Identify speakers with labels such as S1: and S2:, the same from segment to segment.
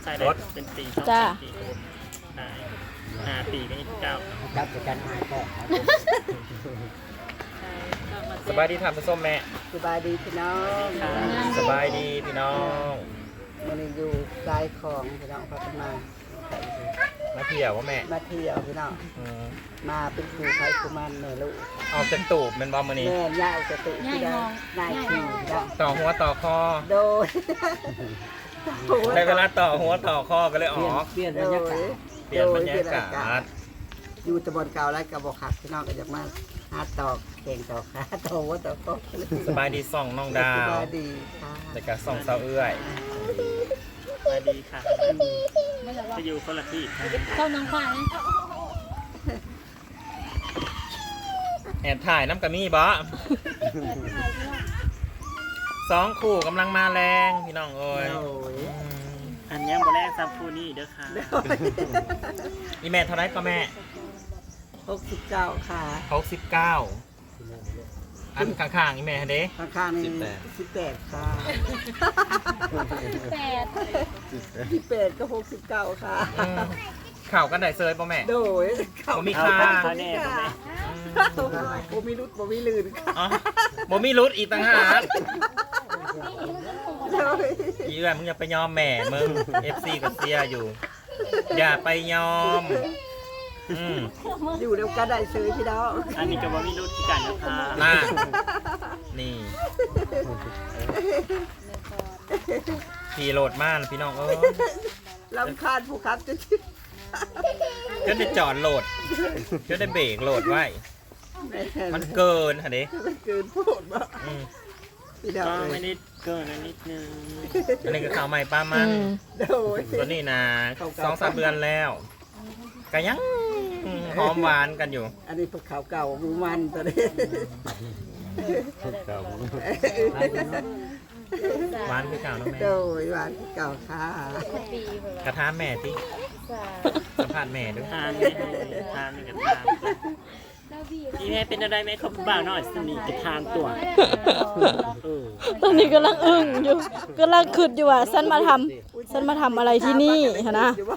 S1: ใส่ได้เป็นปี2 ปี5 ปีก็29
S2: รับจากการหายก็
S3: สบายดีทำผสมแม่
S2: สบายดีพี่น้อง
S3: สบายดีพี่น้อง
S2: มันอยู่สายของพี่น้องพัฒนา
S3: มาเที่ยวว่าแม่
S2: มาเที่ยวพี่น้องมาเป็นครูไทยคุมันแม่ลูก
S3: ออกจากตูบเป็นบอมมือนี้
S2: แม่ย่าจะติที่ได้นายขี่พี่น้อง
S3: ต่อหัวต่อคอ
S2: โดย
S3: ได้เวลาต่อหัวต่อคอก็เลยออก
S2: เปลี่ยนบรรยากาศ
S3: เปลี่ยนบรรยากาศ
S2: อยู่ตะบนเก่าแล้วกับบกขักพี่น้องก็จะมาหาตอกเก่งตอกขาตอกว่าตอกก็
S3: สบายดีส่องน้องดา
S2: ส
S3: ว
S2: บายดีค่ะ
S3: แต่ก็ส่องเสาเอื้อย
S1: สวัสดีค่ะจะอยู่คนละที่ค่ะ
S4: เข้าน้องฝ่ายนะ
S3: แอบถ่ายน้ำกระมี่บอ2 คู่กำลังมาแรงพี่น้องเอ้ย
S2: โอ้ย
S1: อันยังบ่แรกซับคู่นี้เด้อค่ะ
S3: อีแม่เท่าไรก็แม่
S2: 69ค่ะ
S3: 69อันข้างๆอีแม่เด้
S2: ข้างๆนี่18ค่ะ
S4: 8
S2: 18ก็69ค่ะ
S3: ข่าวกันได้เซยป่ะแม่
S2: โดย
S3: บ่มี
S1: เอา
S3: ค่า
S1: ค่ะแน่บ่แม่
S2: บ่มีรุดบ่มีลื่นค่ะ
S3: อ๋อบ่มีรุดอีกต่างหาก
S2: โดย
S3: อีเอื้อยมึงอย่าไปยอมแม่มึง FC กับเสียอยู่ อย่าไปยอมอืม
S2: อยู่เดียวกันได้ซื้อพี่น้อง
S1: อันนี้ก็บ่มีรุ่นที่กันนะคะ
S3: น่านี่ขี่โหลดมากพี่น้องเอ้ย
S2: ลำคาญผู้ขับจะ
S3: ก็ได้จอดโหลดก็ได้เบรกโหลดไว้ มันเกินค่ะเด้
S2: มันเกินพูดบ่
S3: อืม
S2: พี่น้อง
S1: ก็
S2: เล
S1: ไม่
S2: ย
S1: ได้เกินนิดนึง
S3: อันนี้ก็ข่าวใหม่ป้ามัน
S2: โดย
S3: ตัวนี้นะ2-3 เดือนแล้วก็ยังหอมหวานกันอยู่
S2: อันนี้พวกข่าวเก่าหมูมันตัวนี้
S3: หวานคือเก่าเนาะแม่
S2: โดยหวานเก่าค่ะ
S4: ปีเพิ่น
S3: กระทะแม่ที่
S4: ว่า
S3: สัมภาษณ์แม่ด้วย
S1: ทานไม่ให้ทานนี่ก็ทานนี่แม่เป็นอะไรไหมเขาบ่าวน้อยสนิทกับทานตัวเออ
S5: ตอนนี้กำลังอึ้งอยู่กำลังคิดอยู่ว่าฉันมาทำอะไรที่นี่ฮะนะ
S2: อยู่ว่า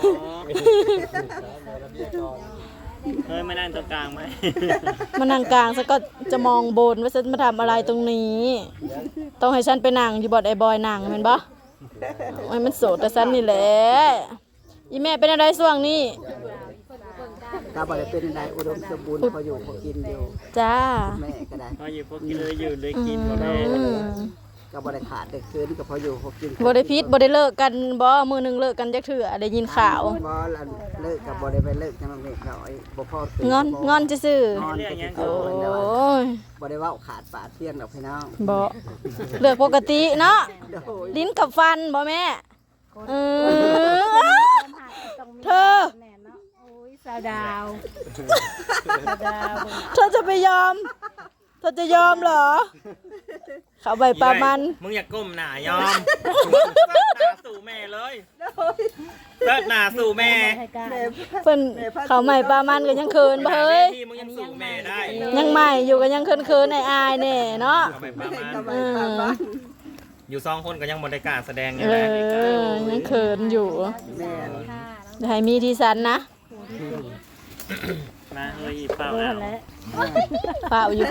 S1: เฮ้ยไม่นั่งตรงกลางไหม
S5: มานั่งกลางฉันก็จะมองบนว่าฉันมาทำอะไรตรงนี้ ต้องให้ฉันไปนั่งอยู่บอดไอ้บอยนั่งเห็นปะโอ้ยมันโสดแต่ฉันนี่แหละอีแม่เป็นอะไรช่วงนี้
S2: ถ้าบ่ได้เป็นอะไรอุดมสมบูรณ์พออยู่พอกินอยู่
S5: จ้า
S2: แม่ก็ได้
S1: พออยู่พวกกินเลยอยู่เลยกินบ่แม่
S2: ก็บ่ได้ขาดได้คืนก็พออยู่พอกิน
S5: บ่ได้พิษบ่ได้เลิกกันบ่มือหนึงเลิกกันจักเถื่อได้ยินข่าว
S2: บ่ละเลิกกับบ่ได้ไปเลิกจังนั้นเองน้อยบ่พอตื่
S5: งอนซื่อง
S2: อนก็คือ
S5: ๆโอ้
S2: ย
S5: ย
S2: บ่ได้เว้าขาดปากเที่ยงดอกพี่น้อง
S5: บ่เลือกปกติเนาะ
S2: โดย
S5: ลิ้นกับฟันบ่แม่เออเธอ
S4: แน่เนาะโอ้ยสาวดาวสาวดาว
S5: เธอจะไปยอม เธอจะยอมเหรอ เขาใบปลามัน
S3: มึงอย่าก้มหน้ายอมเลิศหน้าสู่แม่เลยเลิศหน้าสู่แม่
S4: ให้กล้า
S5: เพิ่นเขาใหม่ปลามันก็ยังเคินบ่เฮ้ย
S3: ที่มึงยังสู่แม่ได้
S5: ยังใหม่อยู่ก็ยังเคินๆอายๆแน่เนาะ
S3: เอาไปประมาณ
S2: ก็ไม่ปานบ้าน
S3: อยู่2 คนก็ยังบริการแสดงอยู่
S5: เอ
S3: นะ
S5: อยังเคินอยู่
S2: แม่
S4: ค่ะ
S5: เดี๋ยวให้มีที่สันนะ
S1: มาเฮ้ยเปล่า
S4: เออ
S1: เอา
S4: แล้ว
S5: เปล่าอยู่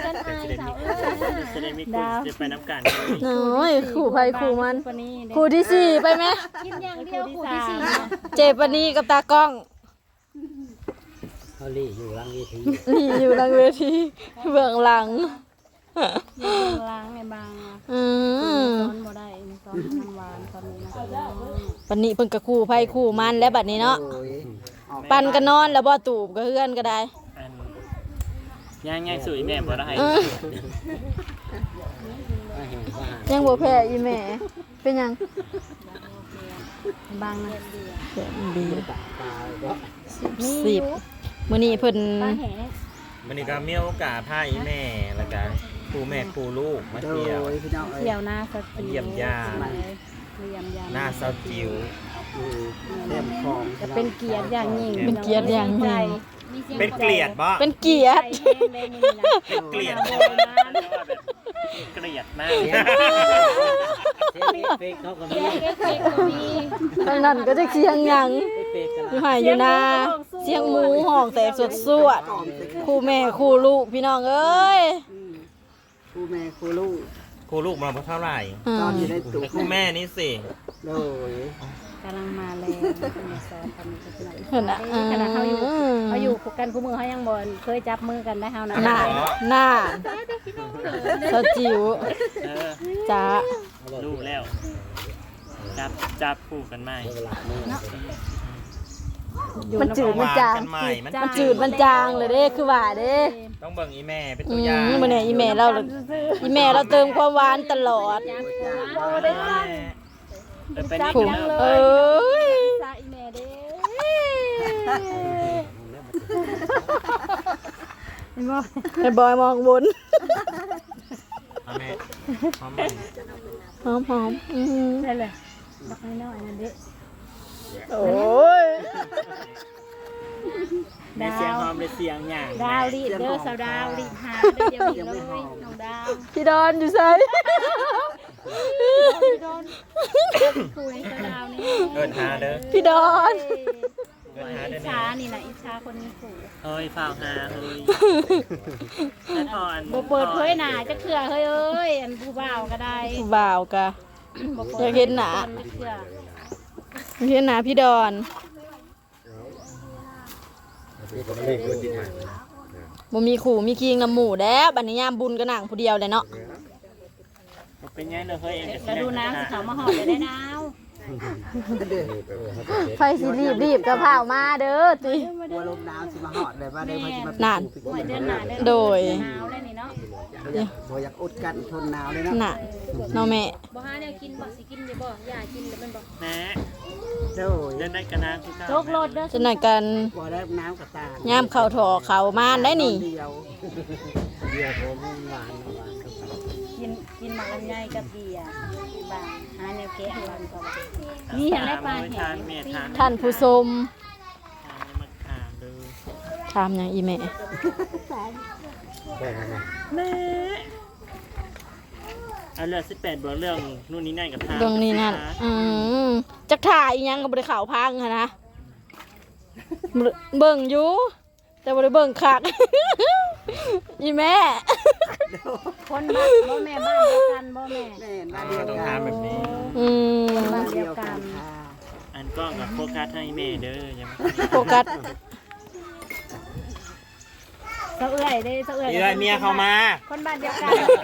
S1: จะได้มีคุณจะไปน้ำกัน
S5: น้อยขู่ภัยขู่มัน
S4: คนนี้เด้
S5: ขู่ที่สี่ไปไหม
S4: กินอย่างเดียวคู่ที่สี่
S5: เจปานีกับตากล้อง
S2: เขาลี่อยู่หลังเวที
S5: นี่อยู่หลังเวทีเบื้องหลัง
S4: อยู่ล้างในบาง
S5: อืม
S4: ตอนบ่ได้ตอนน้ำหวานตอนนี้นะคะ
S5: ปันนี้เพิ่นก็ขู่ภัยขู่มันแล้วบัดนี้เนาะ
S2: โอ้ยออก
S5: ปันก็นอนแล้วบ่ตูบก็เฮือนก็ได้
S1: ย่างๆสู่อีแม่บ่ได้
S5: เออยังบ่แพ้อีแม่เป็นหยัง
S4: บางนะ
S5: ดี 10มื้อนี้เพิ่น
S4: ปลาแห
S3: วันนี้ก็มีโอกาสพาอีแม่แล้วก็ครูแม่ครูลูกมา
S2: โด
S3: เที่ยวย
S2: พี่น้องเอ้ย
S4: เที่ยวหน้าสติ
S3: เยี่ยมญาติ
S4: เยี่ยมยาม
S3: หน้าเซาจิ๋ว
S2: อยู่แก้มคลอง
S4: จะเป็นเกียรติอย่างยิ่ง
S5: เป็นเกียรติอย่างยิ่ง
S3: เป็นเกลียดบ่
S5: เป็นเกียรติ
S4: ใจแห้งเลยนี่นะ
S3: เป็นเกลียด
S4: โบ
S3: บ่
S4: ราณ
S1: เกลียดมาก
S2: เฟกเขาก็
S4: เสี
S2: มี
S4: ยงเอฟเฟกต์ก็มี
S5: ทางนั้นก็จะเสียงหยัง
S2: เฟกกัน
S5: อยู่หายอยู่นาเสียงหมูห้องแตกสวดสวดคู่แม่คู่ลูกพี่น้องเอ้ย
S2: ครูแม่ครูลูก
S3: ครูลูกมันเท่าไหร่
S5: อื
S2: ตอน
S5: ม
S2: อยู่ในตู้
S3: แต่ครูแม่นี่สิ
S2: โดย
S4: กำลังมาแรงสอนกัน
S5: เห็นนะ
S4: ขณะเขาอยู่กันคู่มือเขายังบ่เคยจับมือกันได้เฮานะ
S5: หน้าหน้าสาวจิ๋ว
S1: เออ
S5: จ้า
S1: รู้แล้วจับคู่กันไหม
S5: มันจืดมันจาง
S3: กันใหม่มัน
S5: มันจืดมันจางเลยเด้คือว่าเด้
S3: ต้องเบิ่งอีแม่เป็น
S5: อื
S3: ตัวอย่าง
S5: มมันเนี่ยอีแม่เราเติมความหวานตลอด
S1: ไปนี่
S5: ผู
S1: กัน
S5: เอ้ย
S4: ซาอีแม่เด้
S5: ไอ้บอยมองบน
S3: เอาแม่พร้อมไหม
S5: หอมหอมอืม
S4: ได้เลยบักน้อยๆนั่นเด้
S5: โอ้ย
S1: ในเสียงหอมในเสียงหยาง
S4: ดาวรีดเด้อสาวดาวรีดหาเด้อเดี๋ยวนี้เลยน้องดาว
S5: พี่ดอนอยู่ไส
S4: คุยสาวดาวนี่
S3: เดินหาเด้อ
S5: พี่ดอน
S3: เดินหาเด้
S4: อิ
S3: อ
S4: จฉานี่นะอิจฉาคนมีขู่
S1: เฮ้ยฝ่าวหาเฮ้ยแล้วก่อน
S4: บ่เปิดเผยหน้าจะเถื่อเฮ้ยเอ้ยอันผู้บ่าวก็ได้
S5: บ่าวกะ
S4: บ่
S5: อยากเห็นหน้า
S4: จะเถื่อ
S5: พี่หนาพี่ดอนบ่มีขู่มีคิงน้ำหมูแล้วบัดนี้ยามบุญก็นั่งผู้เดียวเลยเนาะ
S1: เป็นไงเนอะเฮ้ยเอง
S4: กระดูน้ำสิเขามาหอดได้นาว
S5: ไฟสิรีบกระเพรามาเด้อติ
S2: บัวลมหนาวสิมาหอดเลยว่าเดินมาสิมา
S5: นั่น
S4: หวยเดือนหน้าเดือน
S5: โดย
S4: หนาวเลยนี่เนาะ
S2: บ่อยากอดกันทนหนาวเลยเนาะ
S5: น่ะเนาะแม่
S4: บ่หาแนวกินบ่สิกินได้บ่อย่ากินแล้วมันบ่
S1: แม่
S2: โดย
S1: เล่นได้กันนะพี่ก้า
S4: โจกรถเด้อ
S5: จะหน่อยกัน
S2: บ่ได้น้ำกับตาย
S5: ามเข้าถอเข้ามานได้นี่
S2: เดียวเดียวผมหวานกับ
S4: กินหมักลำไยกับเบียร์บางหาแนวแกะมันก็นี่เห็นได้ปลา
S1: ทานแม่ทาน
S5: ท่านผู้ชม
S1: มาทานดู
S5: ถามหยังอีแม่
S1: แม่เอาเรื่อง18บวกเรื่องนู่นนี่นั่นกับทาน
S5: เรื่องนี้นั่นจักถ่ายอีหยังก็บ่ได้ข่าวพังหันนะเบิ่งอยู่แต่บ่ได้เบิ่งคัก อีแม่
S4: คนบ้านบ่แม่บ้านเดียวกันบ่แม่
S2: แม่บ้านเดียว
S3: ต้อง
S2: กั
S3: หาน แบบนี้
S5: อืม
S2: บ้านเดียวกันค่ะ
S1: อันกล้องกับโฟกัสให้แม่เด้อยังไม่
S5: โฟกัส
S4: เจ้าเอื้อยเด้เจ้าเอื้อย
S3: นี่เลยเมียเขามา
S4: คนบ้านเดียวกัน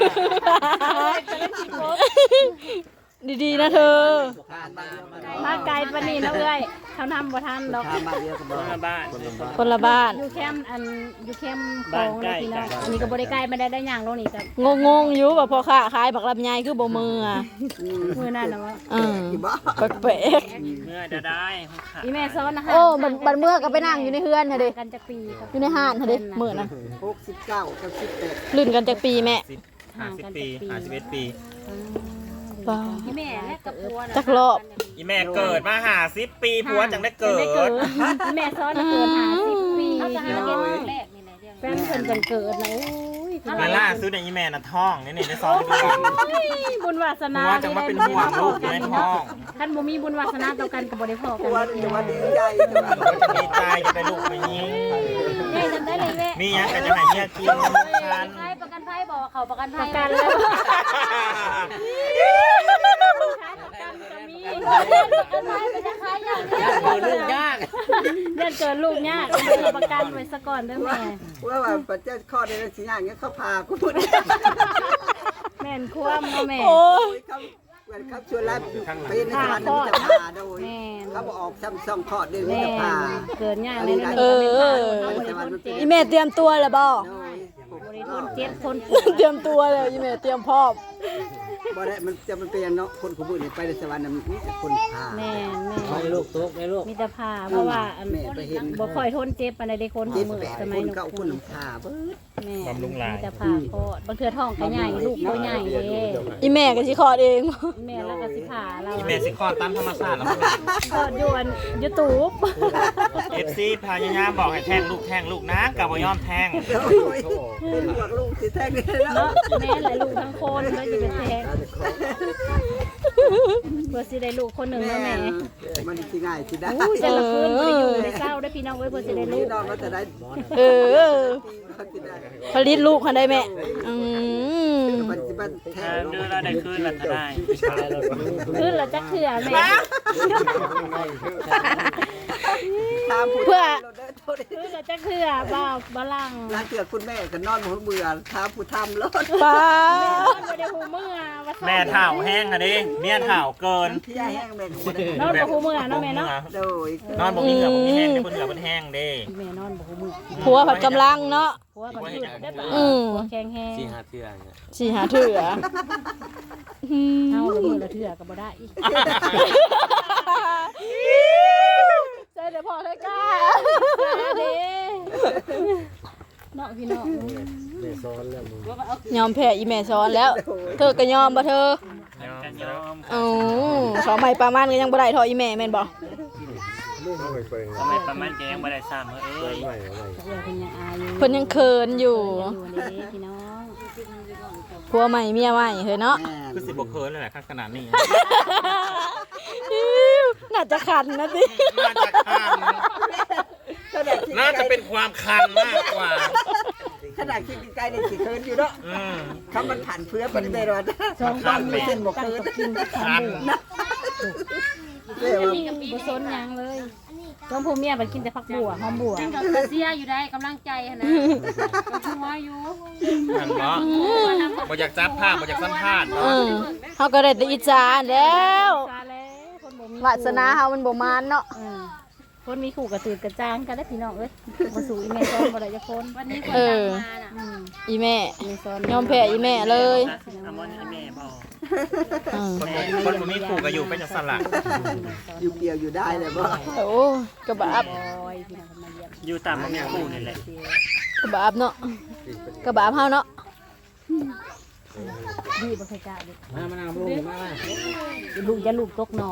S5: ดีๆนะเธอ
S4: มาไกลปานนี้เนาะเอื้อยเขานำบ่ทันดอก
S2: ทางบ้านเดียวกัน
S1: ค
S2: บ่
S1: นละบ้าน
S5: คนละบ้าน
S4: อยู่แคมป์อยู่แคมป์ของเลยพี่น้องอันนี้ก็บ่ได้ไกลไม่ได้ย่างลงนี่ก็
S5: งงๆอยู่ว่าพ่อค้าขายบักลำไยคือบ่มืออ่ะ
S4: มื้อนั้นน่ะว่า
S2: ที่บ่
S5: แปลก
S1: เมื่อจะได้ห้องขา
S4: อีแม่ซ้อนนะ
S5: ๆ
S4: ฮะ
S5: โอ้บัดเมื่อก็ไปนั่งอยู่ในเฮือนค่ะเด้
S4: กันจักปีกับ
S5: อยู่ในห้านค่ะเด้มื้อนั้น
S2: 69กับ18
S5: ลื่นกันจากปีแม่
S3: 50 ปี51 ปี
S5: ป้า
S4: อีแม่และกับผัวน่ะ
S5: จักรอบ
S3: อีแม่เกิดมา50 ปีผัวจังได้เกิด
S4: อีแม่ซ้อนน่ะเกิด50ปีเขาจะหาเก็บแรกนี่แหละแฟนเพิ่นจังเกิดนะโอ้ย
S3: มาล่าสุดในยอีแม่น่ะท้องนี่ได้ซ้อนเดือน
S4: บุญวาสนา
S3: ผัวจังมาเป็นห่วงลูกอยู่ในท้อง
S4: ท่านบ่มีบุญวาสนาต่อกันก็บ่ได้พอกัน
S2: วันจะวันดีใจจะว่า
S3: ผัวจะมีใจจะได้ลูกไปยิง
S4: แม่จำได้เลยแม่
S3: มีหยังก็จะให้เมียกินคัน
S4: ใครประกันภัยบอกว่าเขาประกันภัยกันแล้วจะมีประกันภัยเป็นยังไงอย่างนี้
S2: เกิดลูกยาก
S4: เดือนเกิดลูกยากเอาประกันไว้ซะก่อนเด้อแม่
S2: ว่าปัจจัยข้อใดสิอย่างเงี้ยเขาพากูพูด
S4: แม่นควมเนาะแม่
S5: โอ้ย
S2: เขาเหมือนเขาชวนรับเป็นในสวรรค์จะพาโดยเขาบอกออกซ้ำ2ข้อเดือน
S4: แม่
S2: จะพา
S4: เกิดยากเลยนะ
S5: เออ อีแม่เตรียมตัวแล้วบ่
S2: โดย
S4: บริทนเจ็บทน
S5: เตรียมตัวแล้วอีแม่เตรียมพร้อม
S2: บ่ได้มันจะมันเป็นอย่างเนาะคนขบุญนี่ไปในสวรรค์น่ะมีแต่คนพา
S4: แม่แม่
S1: ให้ลูกตกให้ลูก
S4: มีแต่ผ้าเพราะว่าอัน
S2: แม่ไปเห็น
S4: บ่ค่อยทนเจ็บปานใดได้คน
S2: เจ็ด
S4: มือ
S2: แปด
S4: ส
S2: ค
S4: มัย
S2: น
S4: นู้น
S2: เก้าคนน้ำพาเบิด
S4: แม่
S3: บำรุงหลาย
S4: มีแต่ผ้าโพดบางเทื่อท้องก็ใหญ่ลูกก็ใหญ่เด้
S5: อีแม่ก็สิคลอดเอง
S4: แม่แล้วก็สิผ่าเรา
S3: อีเมซิคอนตามธรรมชาติแล้วมัน
S4: ก็อยู่อัน YouTube
S3: เอฟซีพายามบอกให้แท่งลูกนะกับบ่ยอมแท่ง
S2: โอ้ยเป็นพวกลูกสิแท้งเนาะ
S4: เนาะแม่หลายลูกทั้งคนก็สิเป็นแท้งเพื่อสิได้ลูกคนหนึงเนาะแม่
S2: มันสิง่ายสิได้
S4: อู้แต่ละคืนบ่ได้อยู่ในเศร้าได้อพี่น้องเว้ยเพื่อสิได้ลู
S2: นี่
S4: ก
S2: นอนมาแต่ได้
S5: เออ
S2: มันสิได้
S5: ผลิตลูกคันได้แม่อืม
S2: มันสิมันแท้
S1: เดือนละได้คืนละเท่าได้
S4: คืนละจักเทื่อแม่
S2: ตามผู้
S5: เพื่อ
S4: คืนละจักเทื่อบ่ลัง
S2: ร้านเถื่อคุณแม่ก็นอนหัวเบื่อถามผู้ทำรถ
S5: ป้า
S4: บ่ได้หูเมื่อว่าซ่อน
S3: แม่เถ่าแห้งค่ะดิเมียเถ่าเกิน
S2: ที่แห้งแม่ก็บ่ได้
S4: นอนบ่หูเมื่อเนาะแม่เนาะ
S2: โดย
S3: นอนบ่มีเหงื่อบ่มีแห้งเด้บ่เหงื่อมันแห้งเด้
S4: แม่นอนบ่หูเมื่อ
S5: ผัวผัดกำลังเนาะ
S4: ผัวก็คือได้ปะ
S5: อืม
S4: ผัวแข็งแฮง
S1: สี่ห้าเทื่อเนี่ย
S5: สิหาเถื่ออืม
S4: เฮาละมือละเทื่อก็บ่ได้อีก
S5: ใจเดี๋ยวพอได้กล้า
S4: เด้เนาะพี่น้อง
S5: ยอมแพ้อีแม่ซ้อนแล้ว เธอก็ยอมบ่เธอ
S1: กันยอม
S5: อ๋อสองใหม่ประมาณก็ยังบ่ได้เทออีแม่แม่นบ่
S1: ทำไมประมาณแกงบ่ได้ซ้ำเอ้ย
S4: เอื้อเพิ่นยังอายอยู่
S5: เพิ่นยังเขินอยู่
S4: อยู่เด้พี่น้อง
S5: ผัวใหม่เมียใหม่เฮ้ยเนาะ
S2: แม่
S3: คือสิบ่เคินเลยแหละขนาดนี้
S5: น่าจะขันนะสิ
S3: น่าจะคันน่าจะเป็นความคันมากกว่า
S2: ขนาดคิดใกล้ๆนี่สิเคินอยู่เนาะ
S3: อืม
S2: คำมันผ่านเพื่อปฏิบัติรอด
S4: สองคนมีเส้นบ่เคินกิน
S3: คัน
S2: เรียกว่า
S4: บ่สนหยังเลยต้องผู้เมียมันกินแต่ผักบัวหอมบัว
S6: ก็เสียอยู่ได้กำลังใจหั่นนะก็หัวอยู่
S3: คันเนาะบ่อยากจับภาพบ่อยากสัมภาษณ์
S5: เอ
S3: เนาะ
S5: อเฮาก็ได้แต่อิจฉาแล้ว
S4: ซาแล้วคนบ่มี
S5: วาสนาเฮามันบ่มานเนาะ
S4: คนมีคู่กระตือกระจางกันได้อพี่น้องเอ้ยบ่สู้อีแม่ซ้อนบ่ได้จักคน
S6: วันนี้คนดังมาน่ะ
S5: อีแม่
S4: แม่ซ้อน
S5: ยอมแพ้อีแม่เลย
S1: อามอนให้แม่บอก
S5: อืม
S3: คนบ่มีคู่ก็อยู่เป็นจังซั่นล่ะ
S2: อยู่เดียวอยู่ได้เลยบ่
S5: โอ้กระบาบ
S4: บอยพี่น้องเพิ่นมาเยี่ยม
S1: อยู่ตามบ่มีคู่นี่แหละ
S5: กระบาบเนาะกระบาบเฮาเนาะ
S4: ดีบ่เคยกล้าเด้ลูกจะลูกตกหนอง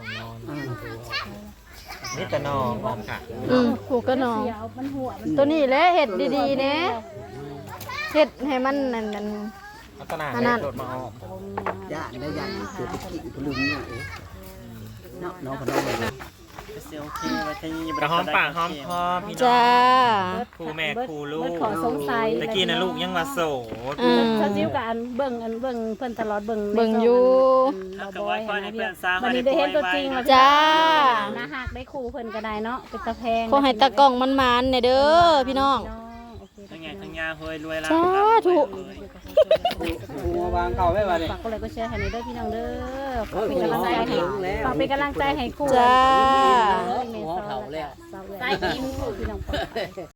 S3: นี่แต่นอค่ะ
S5: ผูกก็นอน
S4: เสียวมันหัวมัน
S5: ตัวนี้แหละเฮ็ดดีๆแหนะเฮ็ดให้มันนั่น
S3: ลักษณะ
S5: อันนั้น
S3: โดดมาออก
S2: ญาติได้ญาติเกิดไปกินพลุงเนี่ยเนาะน้องพน้องเลย
S1: เสียโอเคว่าที่นี่
S3: กระหอมปากหอมคอพี่น้
S5: จ้า
S3: องครูแม่ครูลู
S4: เบิด
S3: ก
S4: ขอสงสัย
S3: ตะกี้น่ะลูกยังว่าโสด
S5: อืม
S4: เขาจิ้วกับอันเบิ่งเพิ่นตลอดเบิ่ง
S5: เบิ่งอยู่
S1: ถ้าเกิดว่าค่อยให้เพื่อนสร้าง
S4: วันนี้ได้เห็นตัวจริงแล้ว
S5: จ้า
S4: น่าฮักได้คู่เพิ่นก็ได้เนาะเป็นตะแพง
S5: ขอให้ตากล้องมันๆเนี่ยเด้อพี่น้อง
S4: โอเค
S1: ทั้งไงทั้งยาเฮ้ยรวยละ
S5: สาธุ
S2: วางเก่าไม่มาเลย
S4: ฝากกดไลค์กดแชร์ให้หน่อยเด้อพี่น้องเด้อฝากเป็นกำลังใจให้ฝากเป็นกำลังใจให้คู่
S5: จ้า
S4: หัวเผาแล้ว
S6: ใส่ยิ้ม
S4: พี่น้อง